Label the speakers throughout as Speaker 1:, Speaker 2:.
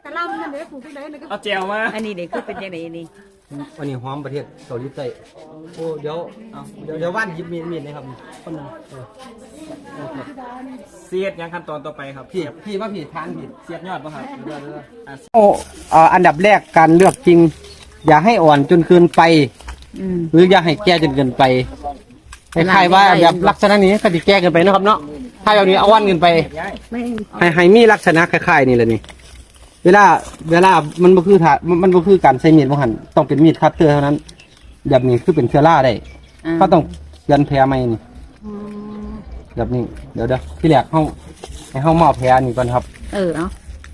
Speaker 1: กะลำนั่นเด้ปลูกที่ไหนนะก็
Speaker 2: เอาแจวมา
Speaker 3: อันนี้เด็กคือเป็นยังไงนี่
Speaker 4: อันนี้หอมประเทศเกาหลีใต้โอ้เดี๋ยวว่านหยิบมีดนะครับคนนึง
Speaker 2: เสียดยังขั้นตอนต่อไปครับ
Speaker 4: พี่ว่าพี่ทานผิด
Speaker 2: เสียบยอดป่ะครับ
Speaker 4: โอ้อันดับแรกการเลือกจริง อย่าให้อ่อนจนเกินไป หรืออย่าให้แก่จนเกินไปคล้ายๆว่าแบบลักษณะนี้ก็จะแก่เกินไปนะครับเนาะถ้าแบบนี้เอาวันเกินไปให้มีลักษณะคล้ายๆนี่แหละนี่เวลามันบ่คือมันบ่คือการใช้มีดบ่หั่นต้องเป็นมีดคัตเตอร์เท่านั้นแบบนี้คือเป็นเชื้อราได้ก็ต้องยันแผลใหม่นี่แบบนี้เดี๋ยวที่แรกให้เฮาหม้อแผลนี่ก่อนครับ
Speaker 3: เอา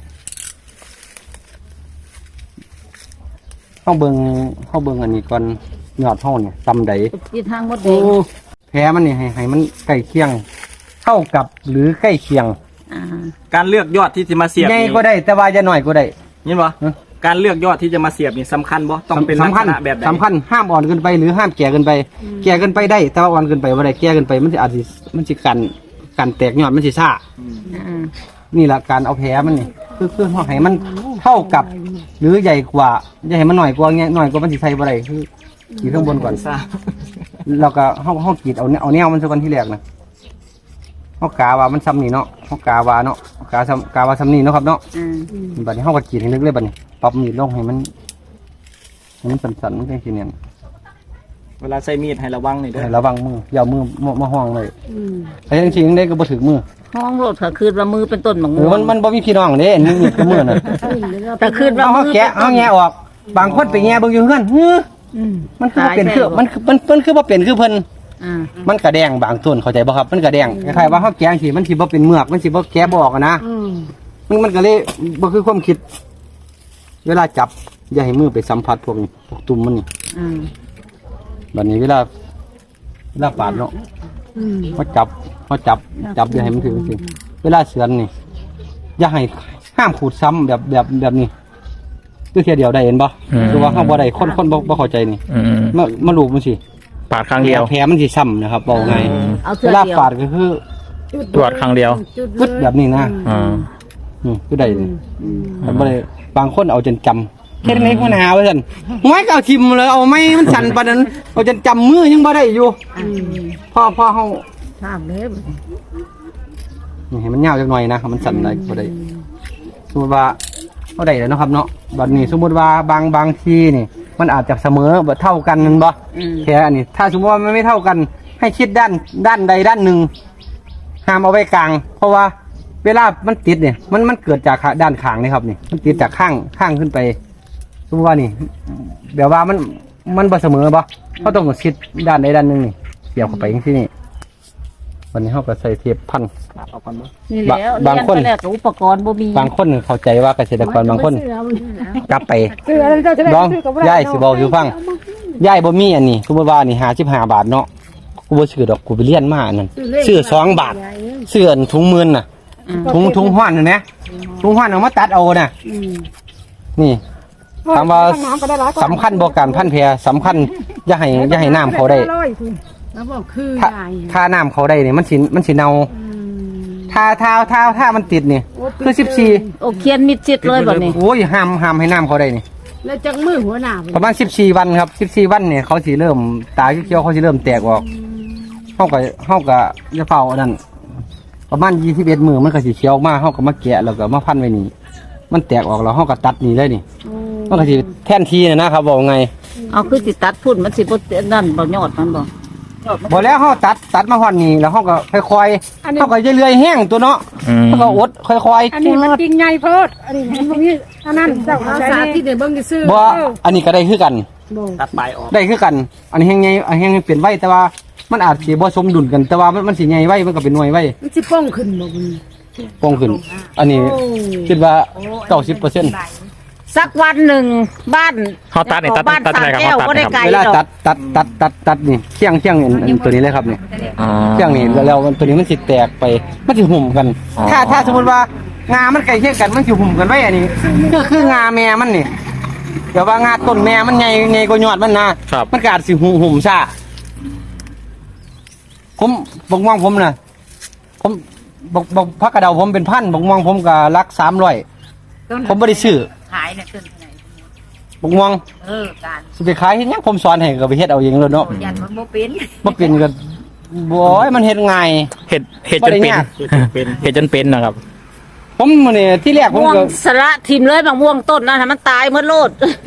Speaker 4: เฮาเบิ่งอันนี้ก่อนยอดเฮาเนี่ยตำใด
Speaker 3: ที่ทางมดแดง
Speaker 4: แผลมันนี่ให้มันใกล้เคียงเท่ากับหรือใกล้เคียง
Speaker 2: การเลือกยอดที่จะมาเสียบ
Speaker 4: ใหญ่ก็ได้แต่ว่าจะน้อยก็ได้
Speaker 2: ยินบ่การเลือกยอดที่จะมาเสียบนี่สำคัญบ่ต้องเป็นลักษณะแบบไหน
Speaker 4: สำคัญห้ามอ่อนเกินไปหรือห้ามแก่เกินไปแก่เกินไปได้แต่ว่าอ่อนเกินไปบ่ได้แก่เกินไปมันสิกันแตกยอดมันสิซ่านี่แหละการเอาแผลมันนี่คือให้มันเท่ากับหรือใหญ่กว่าอย่าให้มันหน่อยกว่าเงี้ยหน่อยกว่ามันสิใส่บ่ได้คือขีดข้างบนก่อน
Speaker 2: ซ่า
Speaker 4: แล้วก็เฮากรีดเอาแนวมันซะก่อนที่แรกนะเฮากาว่ามันซ้ำนี่เนาะเฮากาว่าเนาะกาว่าซ้ำนี่เนาะครับเนาะบัดนี้เฮาก็กรีดให้ลึกเลยบัดนี้ปรับมีดลงให้มันสั่นๆมันจังซี่เนี่ย
Speaker 2: เวลาใช้มีดให้ระวังนี่เด้อ
Speaker 4: ระวังมืออย่ามือมาห้องเลยแต่จริงๆได้ก็บ่ถึงมือ
Speaker 3: ห้องโลดก็คือว่ามือเป็นต้นหมอง
Speaker 4: มันบ่มีพี่น้องเด้นี่คือมือน่ะ
Speaker 3: แต่คือว่า
Speaker 4: เฮาแกะเฮาแงะออกบางคนไปแงะเบิ่งอยู่เฮือนมันคือบ่เป็นคือมันคือบ่เป็นคือเพิ่นมันกระแดงบางต้นเข้าใจบ่ครับมันกระแดงคล้ายๆว่าเฮาแกะสิมันสิบ่เป็นเมือกมันสิบ่แกะบ่ออกนะมันก็เลยบ่คือความคิดเวลาจับอย่าให้มือไปสัมผัสพวกตุ่มมันนี่บัดนี้เวลาปาดเนาะเขาจับอย่าให้มันถึงสิเวลาเฉือนนี่อย่าให้ห้ามขูดซ้ำแบบนี้คือเทียเดียวได้เห็นบ่คือว่าเขาบ่ได้คนบ่เข้าใจนี่มาลูบมันสิ
Speaker 5: ปาดครั้งเดียว
Speaker 4: แผลมันสิซ้ำนะครับบอกไงเวลาปาดก็คือ
Speaker 5: ตรวจครั้งเดียว
Speaker 4: ปึ๊ดแบบนี้นะคือได้บ่ได้บางคนเอาจนจำแค่นี้ก็หนาวซั่นห้อยก็เอาทิ่มเลยเอาไม้มันสั่นปานนั้นเอาจนจำมือยังบ่ได้อยู่พอเฮา
Speaker 1: ถามเด้
Speaker 4: นี่ให้มันยาวจักหน่อยนะมันสั่นได้บ่ได้สมมุติว่าเฮาได้แล้วเนาะครับเนาะบัดนี้สมมุติว่าบางทีนี่มันอาจจะเสมอบ่เท่ากันนั่นบ่แค่อันนี้ถ้าสมมติว่ามันไม่เท่ากันให้คิดด้านใดด้านหนึ่งห้ามเอาไว้กลางเพราะว่าเวลามันติดเนี่ยมันเกิดจากด้านข้างนี่ครับนี่มันติดจากข้างขึ้นไปสมมติว่านี่แบบว่ามันบ่เสมอบ่เขาต้องคิดด้านใดด้านหนึ่งนี่เกี่ยวเข้าไปอย่างที่นี่วันนี้เขาก็ใส่เทปพัน
Speaker 3: นี่แล้วบางคนอุปกรณ์บ่มี
Speaker 4: บางคนเข้าใจว่าเกษตรกรบางคนกลับไปน้องย่ายสิบอกอยู่ฟังย่ายบ่มีอันนี้สมมติว่านี่55 บาทเนาะกูบ่ซื้อดอกกูไปเรียนมาอันนั้นซื้อ2 บาทซื้อถุงมือน่ะถุงห้อนนะถุงห้อนเอามาตัดเอาน่ะนี่ถามว่าสำคัญบ่การพันแพรสำคัญอย่าให้น้ำเขาได้ถ้าน้ำเขาได้เนี่ยมันสิเน่าถ้ามันติดเนี่ยคือ14
Speaker 3: โอเคียนมิดชิดเลยแบบนี้
Speaker 4: โอ้ยห้ามให้น้ำเขาได้นี่
Speaker 1: แล้วจังมือหัวหน้า
Speaker 4: ประมาณ14 วันครับ14 วันเนี่ยเขาสิเริ่มตาเขียวเขาสิเริ่มแตกออกเฮาก็จะเฝ้าอันนั้นประมาณ21 มื้อมันก็สิเขียวออกมาเฮาก็มาแกะแล้วก็มาพันไว้นี่มันแตกออกแล้วเฮาก็ตัดนี่เลยนี่มันก็สิแทนทีนะครับบอกไง
Speaker 3: เอาคือสิตัดพุ่นมันสิบ่นั่นบ่ยอดมัน
Speaker 4: บ่แล้วเฮาตัดมาฮอดนี่แล้วเฮาก็ค่อยๆเฮาก็เรื่อยๆแห้งตัวเนาะเฮาก็อดค่อย
Speaker 1: ๆอันนี้มันจริงใหญ่โพดอันนี้มันบ่มีอันนั้นเจ้าสาธิตได้เบิ่งซื่อ
Speaker 4: บ่อันนี้ก็ได้คือกัน
Speaker 2: ตัดปลายออก
Speaker 4: ได้คือกันอันนี้แห้งใหญ่แห้งเปลี่ยนไว้แต่ว่ามันอาจสิบ่สมดุลกันแต่ว่ามันสิใหญ่ไว้มันก็เป็นหน่วยไว้
Speaker 1: มันสิป้องขึ้นบ่
Speaker 4: ป้องขึ้นอันนี้คิดว่า 90%
Speaker 3: สักวันหนึ่งบ้าน
Speaker 5: เขาตัดนี่ตัดอะไรครับเขาตัด
Speaker 4: เวลาตัดนี่เคี่ยงตัวนี้เลยครับนี่เคี่ยงนี่แล้วตัวนี้มันสิแตกไปมันสิหุ่มกันถ้าสมมติว่างามันใกล้เคียงกันมันสิหุ่มกันไว้อันนี้คืองาแม่มันนี่เดี๋ยวว่างาต้นแม่มันใหญ่กว่ายอดมันนะมันก็อาจสิหุ่มซ่าผมบอกว่างผมนะผมบอกพักกระเดาผมเป็นพันบอกว่างผมก็รัก300 ผมบ่ได้ซื้อ
Speaker 3: ขายน่ะต้นเท่าไหร่
Speaker 4: บักม่วง
Speaker 3: การ
Speaker 4: สิไปขายเฮ็ดหยังผมสอนให้ก็ไปเฮ็ดเอาเองเลยเนาะ
Speaker 3: ยันมันบ่เป็น
Speaker 4: บ่เป็นก็บ่โอ้ยมันเฮ็ดง่าย
Speaker 5: เห็ดจนเป็น
Speaker 2: เป็น
Speaker 5: เห็ดจนเป็นนะครับ
Speaker 4: ผมมื้อนี้ที่แรกผม
Speaker 3: ม่วง
Speaker 4: ก็
Speaker 3: สละทิมเลยบางม่วงต้นนะให้มันตายหมดโลด